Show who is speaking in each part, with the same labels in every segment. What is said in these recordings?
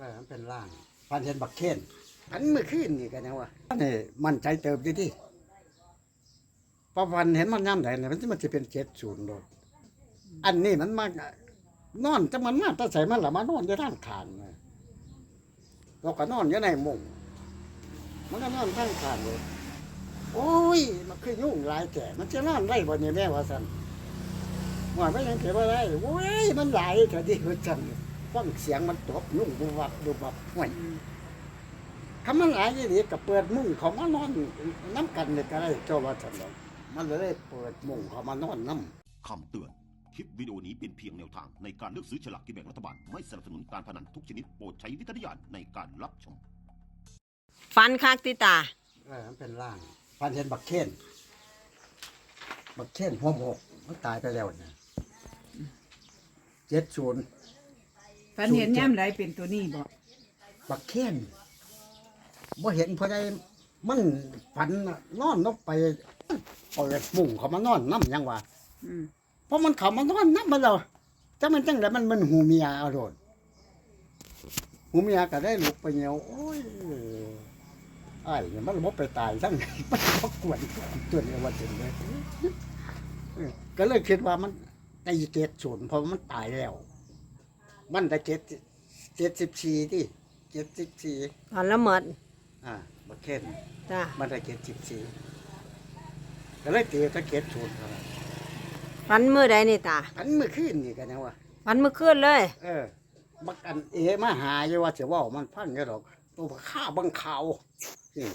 Speaker 1: มันเป็นร่างพันเห็นบักเคนอันเมื่อคืนนี่กันนะวะนี่มันใจเติบดีที่พอพันเห็นมันย่ำไหนเนี่ยมันจะเป็น70โดดอันนี้มันมานอนจะมันมาแต่ใส่มันละมานอนอยู่ทางขานเลยเราก็นอนอยู่ในมุ้งมันก็นอนทางขานเลยโอ้ยมันคือยุ่งหลายแก่มันจะนอนได้บ่เนี่ยแม่ว่าสั่นว่าไม่ยังเก็บอะไรโอ้ยมันหลายแต่ดีว่าสั่นฟังเสียงมันตบยุ่งดูบับห่วยคำมันหลายยี่ดีกับเปิดมุ้งเขามานอนน้ำกันเนี่ยก็ได้เจ้าว่าสั่นมันเลยเปิดมุ้งเขามานอนน้ำ
Speaker 2: คำเตือน คลิปวิดีโอนี้เป็นเพียงแนวทางในการเลือกซื้อฉลากกินแบ่งรัฐบาล ไม่สนับสนุนการพนันทุกชนิดโปรดใช้วิจารณญาณในการรับชม
Speaker 3: ฟันคักติตา
Speaker 1: มันเป็นร่างพันเห็นบักเคนหัวหมกมันตายไปแล้วเนี่ย70
Speaker 4: ฝันเห็นย่ำไรเป็นตัวนี้บอก
Speaker 1: บักเคนบ่เห็นเพราะใดมันฝันน่ะนอนลงไปเปิดมุ้งเขามานอนน้ำยังวะเพราะมันเขามานอนน้ำมาแล้วจะมันจังไดมันหูเมียเอาโดนหูเมียก็ได้ลุกไปเหี่ยวโอ้ยไอ้เนี่ยมันบ่ไปตายทั้งมันบ่กวนตัวนี้ว่าจังได๋ก็เลยคิดว่ามันได้70เพราะมันตายแล้ว มันได้74ที่74
Speaker 3: ตอนละหมด
Speaker 1: บักเคน
Speaker 3: จ้า
Speaker 1: มันได้74ก็เลยตีตะ70ครับ
Speaker 3: ฟันมือใดนี่ตา
Speaker 1: อันเมื่อคืนนี่กันนะวะ
Speaker 3: ฟันมือคืนเลย
Speaker 1: บักอันมาหาอยู่ว่าสิเว้ามันพังอยู่ดอกตัวข้าบังเขานี่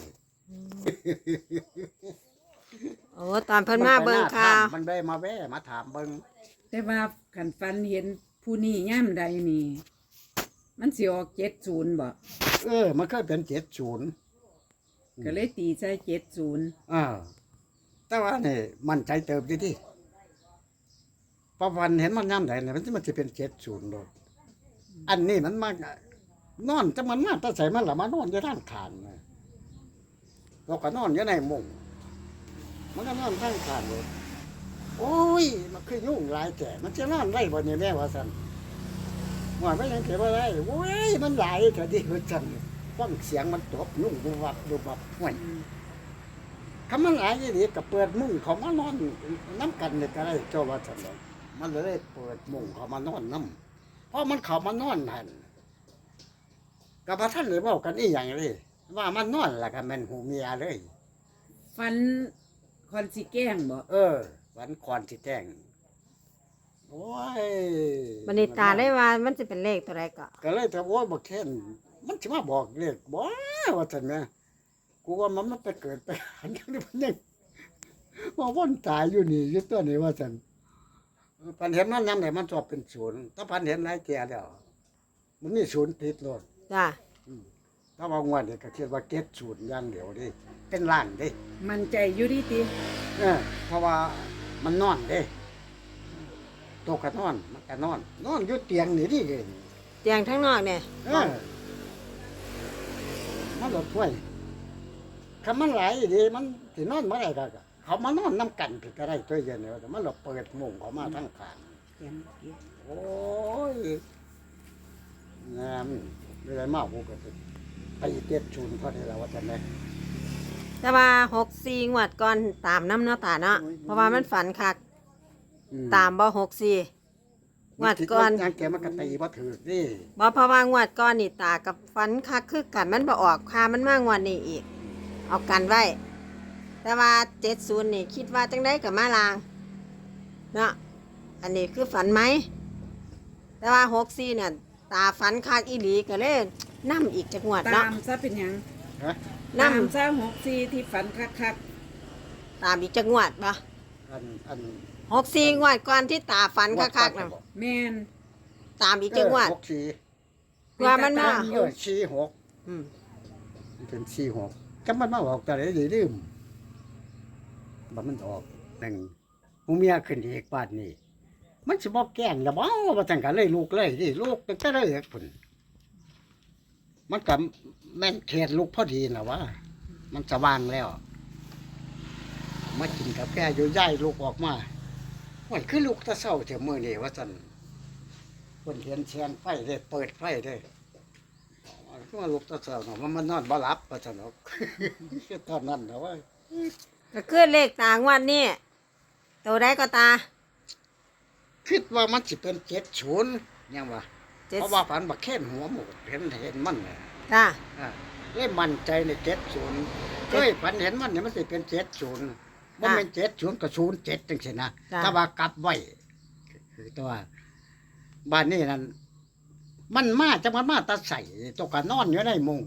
Speaker 3: โอ้ตอนเพิ่นมาเบิ่งข่าว
Speaker 1: มันได้มาแว่มาถามเบิ่ง
Speaker 4: แต่ว่าขันฝันเห็นผู้นี้ย่ำใดนี่ มันสิออก70บอก
Speaker 1: มันเคยเป็น70
Speaker 4: ก็เลยตีใส่70
Speaker 1: แต่ว่านี่มันใจเติบดีที่พอวันเห็นมันย่ำไหนเนี่ยมันจะเป็น70โดดอันนี้มันมานอนจะมันมาแต่ใส่มันละมานอนอยู่ทางขานเลยเราก็นอนอยู่ในมุ้งมันก็นอนทางขานเลยโอ้ยมันคือยุ่งหลายแก่มันจะนอนได้บ่เนี่ยแม่ว่าสั่นว่าไม่ยังเก็บอะไรโอ้ยมันหลายแต่ดีว่าสั่นฟังเสียงมันตบยุ่งดูบับห่วยคำมันหลายยี่ดีกับเปิดมุ้งเขามานอนน้ำกันเนี่ยก็ได้เจ้าว่าสั่นมันเลยเปิดมุ้งเขามานอนน้ำเพราะมันเขามานอนหันกับพระท่านเลยบอกกันอีอย่างเลยว่ามันนอนแหละกันมันหูเมียเลย
Speaker 4: ฝันคอนสิแกล้งบอก
Speaker 1: วันก่อนสิแจ้งโอ้ย
Speaker 3: บัดนี้ตาได้ว่ามันสิเป็นเลขตัวใดก็
Speaker 1: เลยถ้าโอ้ยบอกแค่นมันจะมาบอกเลขบ่ว่าซั่นแม่กูว่ามันไปเกิดไปหันนี่มันยังว่าวนตายอยู่นี่อยู่ตัวนี้ว่าซั่นพันเห็นมันนำได้มันชอบเป็น0ถ้าพันเห็นหลายแก่แล้วมันมี0ติดโลด
Speaker 3: จ้า
Speaker 1: ถ้าว่างวดนี่ก็คิดว่า70อย่างเดียวดิเป็นล้านดิ
Speaker 4: มันใจอยู่ดีติ
Speaker 1: เพราะว่ามันนอนเด้โตก็นอนมันก็นอนอยู่เตียงนี่ดิเอง
Speaker 3: เตียงทั้งนอกเนี่ย
Speaker 1: มันหลดถ้วยคำมันหลายดีมันสินอนเมื่อไรก็เขามานอนน้ำกันผิดก็ได้ตัวเย็นเลยแต่มันหลบเปิดมุ้งเขามาทั้งขางโอ้ยงามไม่ได้มากกูก็ไป70พอดีแล้วว่าจะไหน
Speaker 3: แต่ว่า64งวดก่อนตามน้ำเนาะตาเนาะเพราะว่ามันฝันคักตามบ่64งวดก่อน
Speaker 1: ยังแกมันก็ตีว่าถือนี่
Speaker 3: บ่เพราะว่างวดก่อนนี่ตากับฝันคักคือกันมันบ่ออกค่ามันมางวดนี้อีกเอากันไว้แต่ว่า70นี่คิดว่าจังได๋ก็มาลางเนาะอันนี้คือฝันไหมแต่ว่า64เนี่ยตาฝันคักอีหลีก็เลยนำอีกจักงวด
Speaker 4: ตา
Speaker 3: เนาะ
Speaker 4: มซะเป็นหยัง
Speaker 1: ฮะ
Speaker 3: นำ
Speaker 4: ตามซะ64ที่ฝันคัก
Speaker 3: ตามอีกจักงวดบ่
Speaker 1: อัน
Speaker 3: 64งวดก่อนที่ตาฝันคักๆน่ะ
Speaker 4: ๆแม่น
Speaker 3: ตามอีกจักงวด
Speaker 1: 64
Speaker 3: ว่ามันมา
Speaker 1: 46
Speaker 3: อืม
Speaker 1: เป็น46จังมันมาออกแต่ไหนได้ลืมบ่มันออก1หูเมียขึ้นอีกบาดนี้มันสิบ่แกล้งละบ่ว่าจังกันเลยลูกเลยดิลูกตั้งแต่เลยพุ่นมันก็แม่นเขตลูกพอดีน่ะว่ามันสว่างแล้วมากินกาแฟอยู่ย้ายลูกออกมาโอ้ยคือลูกตะเช้าเถอะมื้อนี้ว่าซั่นเพิ่นเห็นแสงไฟได้เปิดไฟได้ก็มาลุกตะเสาเนาะมันนอนบ่หลับว่าซั่นเนาะ คือตอนนั้นเนาะว่า
Speaker 3: ก็คือเลขตางวดนี้ตัวใดก็ตา
Speaker 1: คิดว่ามันสิเป็น70ยังว่า
Speaker 3: เจ็ด
Speaker 1: เพราะว่าฝันบักแค่นหัวหมูเห็นมันน่ะ
Speaker 3: จ้า
Speaker 1: เลยมั่นใจใน70เคยฝันเห็นมันเนี่ยมันสิเป็น70บ่แม่น70ก็07จังซี่นะถ้าว่ากลับไว้คือตัวบ้านนี้นั่นมันมาจังมันมาแตาใส่ตกก็นอนอยู่ในมุ้ง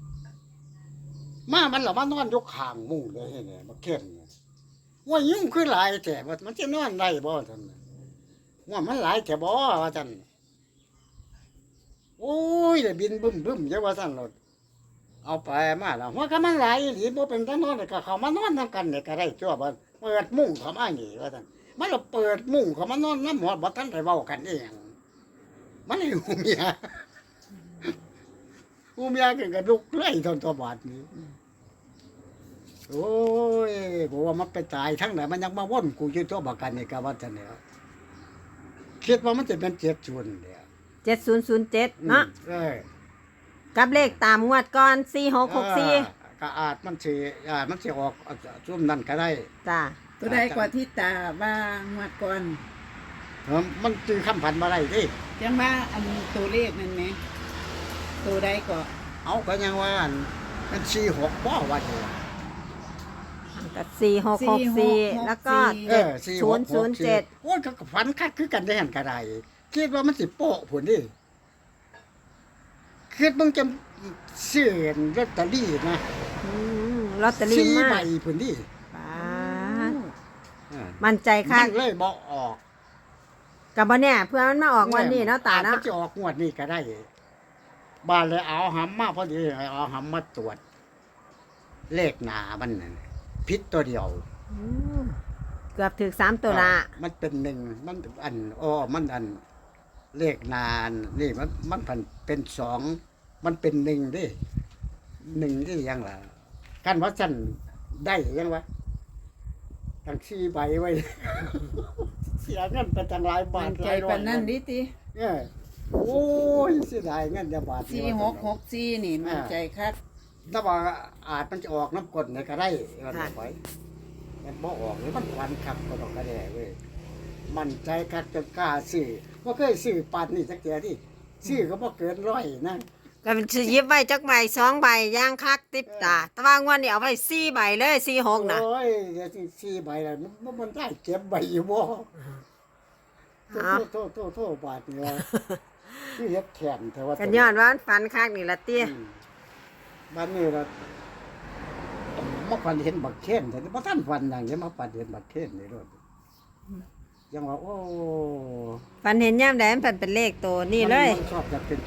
Speaker 1: มันล่ะมานอนอยู่ข้างมุ้งเลยเนี่ยบักแค่นเนี่ยว่ายุ่งคือหลายแท้ว่ามันสินอนได้บ่ซั่นน่ะว่ามันหลายแท้บ่ว่าซั่นโอ้ยได้บินบึ้มๆจังว่าซั่นโลดเอาไปมาแล้วว่าก็มันหลายอีหลีบ่เป็นตานอนก็เข้ามานอนนำกันเนี่ยก็ได้จ้วบ่เปิดมุ้งเข้ามานี่ว่าซั่นมันละเปิดมุ้งเข้ามานอนนำหมดบ่ทันได้เว้ากันเองมันให้หูเมียหูเมียก็ลุกเลยตอนตัวบาดนี้โอ้ยบอกว่ามันไปตายทั้งไหนมันยังมาว่นกูอยู่ตัวบักกันนี่ก็ว่าซั่นแหล้วคิดว่ามันจะเป็น70เด้อ
Speaker 3: 7007เนาะกับเลขตามงวดก่อน4664
Speaker 1: ก็อาจมันสิออกช่วงนั้นก็ได้
Speaker 3: จ้า
Speaker 4: ตัวใดกว่าที่ตาว่างวดก่อน
Speaker 1: มันจื้อคำพันบ่ได้ติ
Speaker 4: จังว่าอันตัวเลขนั่นไหมตัวใดก็
Speaker 1: เอาก็ยังว่าอันมัน46บ่ว่าเด้อ
Speaker 3: กับ4664แล้วก็
Speaker 1: 007โอ้ยก็ฝันคักคือกันได้หั่นก็ได้คิดว่ามันสิโป๊ะพุ่นดิคิดมึงจะซื้อลอตเตอรี่นะ
Speaker 3: ลอตเตอรี่มา
Speaker 1: 4ใบพุ่นดิ
Speaker 3: ป๊าดมั่นใจคั
Speaker 1: มั
Speaker 3: ก
Speaker 1: นเลยบ่ออก
Speaker 3: กับบ่เนี่ยเพื่อมันมาออกวันนี้เนาะตา
Speaker 1: มั
Speaker 3: เนาะ
Speaker 1: นจะออกงวดนี้ก็ได้บานเลยเอาหำมาพอดีเอาหำมาตรวจ เลขหน้ามันนั่นผิดตัวเดียว
Speaker 3: อืมเกือบถึง3ตัวละ
Speaker 1: มันเป็นหนึ่งมันอันมันอันเลขหนานนี่มันผันเป็น2มันเป็น1ดิ1ที่ยังล่ะกันว่าซั่นได้ยังวะตั้ง4ใบไว้ เสียเงินไปตั้งหลายบา
Speaker 4: มั
Speaker 1: ท
Speaker 4: นใจ
Speaker 1: หลายร้อ
Speaker 4: ปาย นนั้นดิติ
Speaker 1: โอ้ยเสียดายเงินจะบาทเดียว
Speaker 4: 4664นี่มันใจคัก
Speaker 1: ถ้าว่าอาจมันจะออกน้ำกรดเนี่ยก็ได้มันเอาไว้มันบ่ออกหรือมันควันคักก็ต้องกระแดเว้ยมันใจคักจนกล้าซื้อบ่เคยซื้อปานนี้จักเทียที่ซื้อก็บ่เกิน100นะ
Speaker 3: ก็สิหยิบไว้จักใบ2ใบย่างคักติดตาแต่ว่างวดนี้เอาไว้4ใบเลย46น่ะ
Speaker 1: โอ้ยเดี๋ยวสิ4ใบแล้วมันได้เก็บใบอยู่บ่
Speaker 3: เอา
Speaker 1: โทษบาทนี่ว่าคือเฮ็ดแขนแต่ว่า
Speaker 3: กันย้อนว่ามันฝันคักนี่ละเตี้ย
Speaker 1: บ้านนี้ล่ะมาฝันเห็นบักเคนแต่บ่ทันฝันหยังจะมาฝันเห็นบักเคนนี่โลดยังว่าโอ้
Speaker 3: ฝันเห็นยามใดมันเป็นเลขตัวนี่เลย
Speaker 1: มันชอบจะเป็น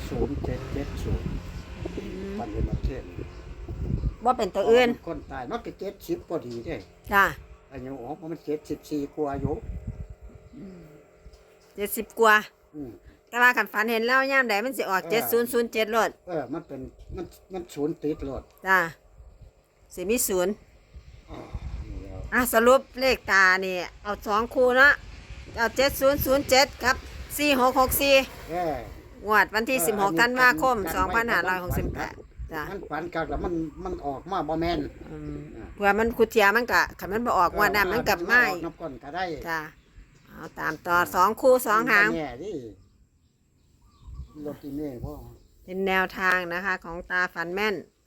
Speaker 1: 0770ฝันเห็นบักเคน
Speaker 3: บ่เป็นตัวอื่น
Speaker 1: คนตายมันก็70พอดีเด้
Speaker 3: จ้า
Speaker 1: อายุออกมัน74กว่าอายุ
Speaker 3: 70กว่า
Speaker 1: อืม
Speaker 3: แต่ว่าคันฝันเห็นแล้วยามใดมันสิออก7007โลด
Speaker 1: มันเป็นมันศูนย์ติดรถ
Speaker 3: จ้าสิมี0
Speaker 1: อ๋อนี่แล้ว
Speaker 3: สรุปเลขตานี่เอา2คู่เนาะเอา7007ครับ4664
Speaker 1: เออง
Speaker 3: วดวันที่
Speaker 1: อันนี้
Speaker 3: 16ธันวาคม
Speaker 1: กันไว้
Speaker 3: 2568จ้ะ
Speaker 1: มันฝันกักแล้วมันออกมาบ่แม่น
Speaker 3: เพื่อมันคุเทียมันก็คันมันบ่ออกงวดนั้นมันกลับมา
Speaker 1: ออกน้ำก้นก็ได้
Speaker 3: จ้ะเอาตามต่อ2คู่2หาง
Speaker 1: แน่ดิรถที่นี่พ่อ
Speaker 3: เป็นแนวทางนะคะของตาฝันแม่น